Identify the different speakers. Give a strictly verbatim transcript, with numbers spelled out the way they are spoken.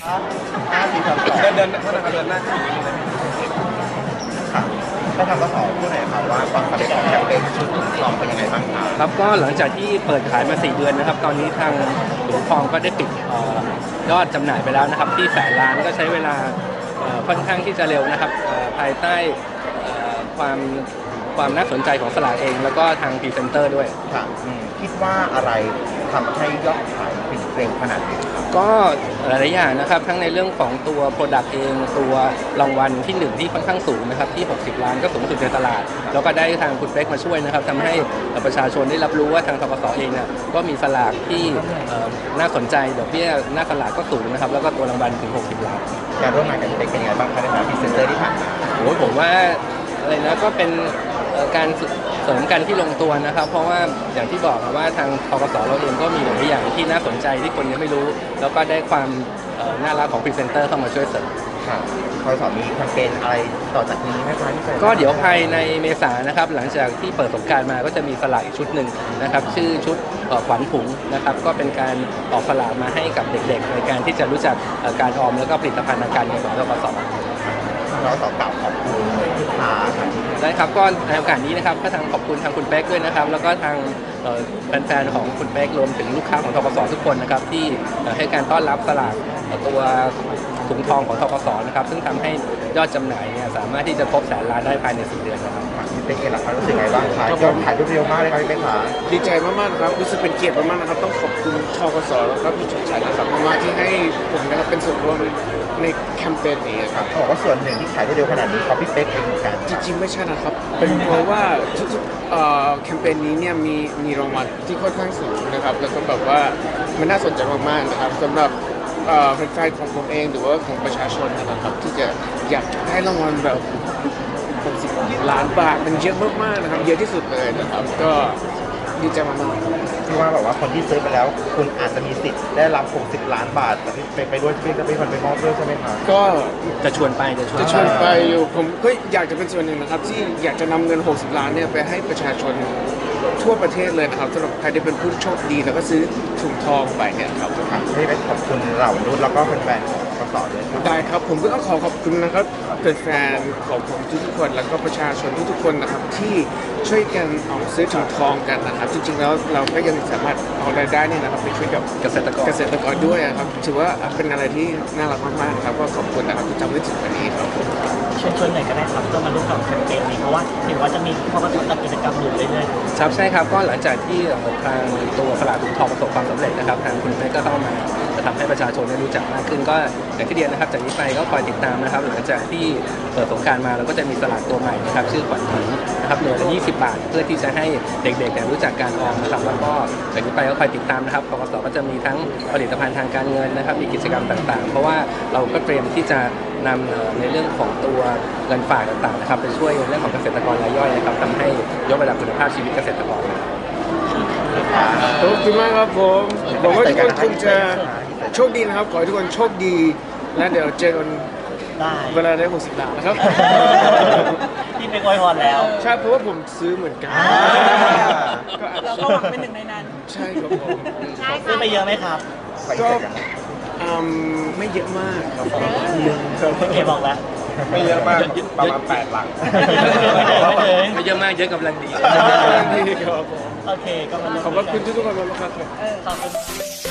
Speaker 1: ห้าสี่สามสอง
Speaker 2: เดินเดินเท่านั้นครับเดินหน้าขึ้นอย่างนี้เลย
Speaker 1: ค่ะได้ทำกสพูดหน่อยค่ะว่าความสำเร็จของแคมเปญชุดทองเป็นยังไงบ้างคะ
Speaker 3: ครับก็หลังจากที่เปิดขายมาสี่เดือนนะครับตอนนี้ทางหลวงทองก็ได้ปิดเอ่อยอดจำหน่ายไปแล้วนะครับที่แสนล้านก็ใช้เวลาเอ่อค่อนข้างที่จะเร็วนะครับเอ่อภายใต้เอ่อความความน่าสนใจของสลากเอง แล้วก็ทางพรีเซนเตอร์ด้วย
Speaker 1: ค่ะอืมคิดว่าอะไรทำให้ยอดขายถึงเร็วขนาดนี้ครับ
Speaker 3: ก็หลายๆอย่างนะครับทั้งในเรื่องของตัว Product เองตัวรางวัลที่หนึ่งที่ค่อนข้างสูงนะครับที่หกสิบล้านก็สูงสุดในตลาดแล้วก็ได้ทางคุณเป๊กมาช่วยนะครับทำให้ประชาชนได้รับรู้ว่าทางธกสเองเนี่ยก็มีสลากที่เอ่อน่าสนใจดอกเบี้ยหน้าสลากก็สูงนะครับแล้วก็ตัวรางวัลถึงหกสิบล้าน
Speaker 1: การร่วมงานกับพี่เป๊กเป็นยังไงบ้างคะในฐานะพรีเซนเตอร์ที่ผ่านมา
Speaker 3: โอ้ยผมว่าอะไรนะก็เป็นเอ่อการเสริมกันที่ลงตัวนะครับ เพราะว่าอย่างที่บอกว่าทางธกสเราเองก็มีหลายอย่างที่น่าสนใจที่คนยังไม่รู้ แล้วก็ได้ความเอ่อน่ารักของพรีเซนเตอร์เข้ามาช่วยเสริม
Speaker 1: ค่ะคอยสอนมีแคมเปญอะไรต่อจากนี้ไหมคะที่จะ
Speaker 3: ก็เดี๋ยวภายในเมษายนนะครับหลังจากที่เปิดสงกรานต์มาก็จะมีสลากอีกชุดหนึ่งนะครับชื่อชุดเอ่อขวัญถุงนะครับก็เป็นการออกสลากมาให้กับเด็กๆในการที่จะรู้จักเอ่อการออมแล้วก็ผลิตภัณฑ์ทางการเงินของธกส
Speaker 1: เราต่อกล่าวขอบคุณลูกค้าค่ะ
Speaker 3: ได้ครับก็ในโอกาสนี้นะครับก็ทางขอบคุณทางคุณเป๊กด้วยนะครับแล้วก็ทางเอ่อแฟนๆของคุณเป๊กรวมถึงลูกค้าของธกสทุกคนนะครับที่เอ่อให้การต้อนรับสลากเอ่อตัวถุงทองของธกสนะครับซึ่งทำให้ยอดจำหน่ายเนี่ยสามารถที่จะครบแสนล้านได้ภายในสี่เดือนนะครับ
Speaker 1: พี่เป๊กเองล่ะคะรู้สึกไงบ้างคะยอดขายรวดเร็วมากเลยครับพี่เป๊กค่ะ
Speaker 2: ดีใจมากๆนะครับรู้สึกเป็นเกียรติมากๆนะครับต้องขอบคุณทกสแล้วก็พี่ชดชัยนะครับมากๆที่ให้ผมนะครับเป็นส่วนร่วมในแคมเปญนี้ครับ
Speaker 1: เขาบอกว่าส่วนหนึ่งที่ขายได้เร็วขนาดนี้เพราะพี่เป๊กเองเหมือนกัน
Speaker 2: จริงๆไม่ใช่นะครับเป็นเพราะว่าทุกๆเอ่อแคมเปญนี้เนี่ยมีมีรางวัลที่ค่อนข้างสูงนะครับแล้วก็แบบว่ามันน่าสนใจมากๆนะครับสำหรับเอ่อแฟนๆของผมเองหรือว่าของประชาชนนะครับที่จะอยากได้รางวัลแบบหกสิบล้านบาทมันเยอะมากๆนะครับเยอะที่สุดเลยนะครับก็ดีใจมากๆ
Speaker 1: ที่ว่าแบบว่าคนที่ซื้อไปแล้วคุณอาจจะมีสิทธิ์ได้รับหกสิบล้านบาทแต่พี่เป๊กไปด้วยพี่เป๊กก็เป็นคนไปมอบด้วยใช่ไหมคะ
Speaker 2: ก็
Speaker 3: จะชวนไปจะชวน
Speaker 2: จะชวนไปอยู่ผมก็อยากจะเป็นส่วนหนึ่งนะครับที่อยากจะนำเงิน หกสิบ ล้านเนี่ยไปให้ประชาชนทั่วประเทศเลยนะครับสำหรับใครที่เป็นผู้โชคดีแล้วก็ซื้อถุงทองไปเนี่ยครับ
Speaker 1: ค่ะพี่เป๊กขอบคุณเหล่ารุ่นแล้วก็แฟนๆของกสด้วยครับ
Speaker 2: ได้ครับผมก็ต้องขอขอบคุณนะครับแฟนๆของผมทุกๆคนแล้วก็ประชาชนทุกๆคนนะครับที่ช่วยกันเอาซื้อถุงทองกันนะครับจริงๆแล้วเราก็ยังสามารถเอารายได้เนี่ยนะครับไปช่วยกับ
Speaker 3: เกษตรกร
Speaker 2: เกษตรกรด้วยนะครับถือว่าเป็นอะไรที่น่ารักมากๆนะครับก็ขอบคุณนะครับที่จำไว้ถึงวันนี้ครับ
Speaker 4: เชิญชวนหน่อยก็ได้ครับเพื่อมาร่วมกับแคมเปญนี้เพราะว่าเห็นว่าจะมีข้อกำหนดจัดกิจกรรมอยู่เรื่อยๆ
Speaker 3: ครับใช่ครับก็หลังจากที่ทางตัวสลากถุงทองประสบความสำเร็จนะครับทางคุณเป๊กก็เข้ามาจะทำให้ประชาชนได้รู้จักมากขึ้นก็อย่างที่เรียนนะครับจากนี้ไปก็คอยติดตามนะครับหลังจากที่เปิดสงกรานต์มาเราก็จะมีสลากตัวใหม่นะครับชื่อขวัญถุงนะครับหน่วยละยี่สิบบาท เพื่อที่จะให้เด็กๆเนี่ยรู้จักการออมนะครับแล้วก็จากนี้ไปก็คอยติดตามนะครับธกสก็จะมีทั้งผลิตภัณฑ์ทางการเงินนะครับมีกิจกรรมต่างๆ เพราะว่าเราก็เตรียมที่จะนำเอ่อในเรื่องของตัวเงินฝากต่างๆนะครับไปช่วยในเรื่องของเกษตรกรรายย่อยนะครับทำให้ยกระดับคุณภาพชีวิตเกษตรกร
Speaker 2: ขอบคุณมากครับผมหวังว่าทุกคนคงจะโชคดีนะครับ ขอให้ทุกคนโชคดี และเดี๋ยวเจอกัน
Speaker 4: ได้
Speaker 2: เวลาได้หกสิบล้านนะครับ
Speaker 4: ที่เป็นอวยพรแล้ว
Speaker 2: ใช่เพราะว่าผมซื้อเหมือนกัน ก็อาจ
Speaker 5: เรา
Speaker 2: จะ
Speaker 5: ก็หวังเป็นหนึ่งในนั้น
Speaker 2: ใช่ครับผม
Speaker 4: ซื้อไปเยอะไหมครับ
Speaker 2: ก็อืมไม่เยอะมากครับผมครับ
Speaker 4: เคบอกแล้ว
Speaker 1: ไม่เยอะมากประมาณแปดหลัก
Speaker 4: ไม่เลย
Speaker 3: ไม่เยอะมากเยอะกำลังดี
Speaker 2: ดีครับผม
Speaker 4: โอเคก็มา
Speaker 2: ขอบคุณทุกๆคนมากๆครับ
Speaker 4: ขอบคุณ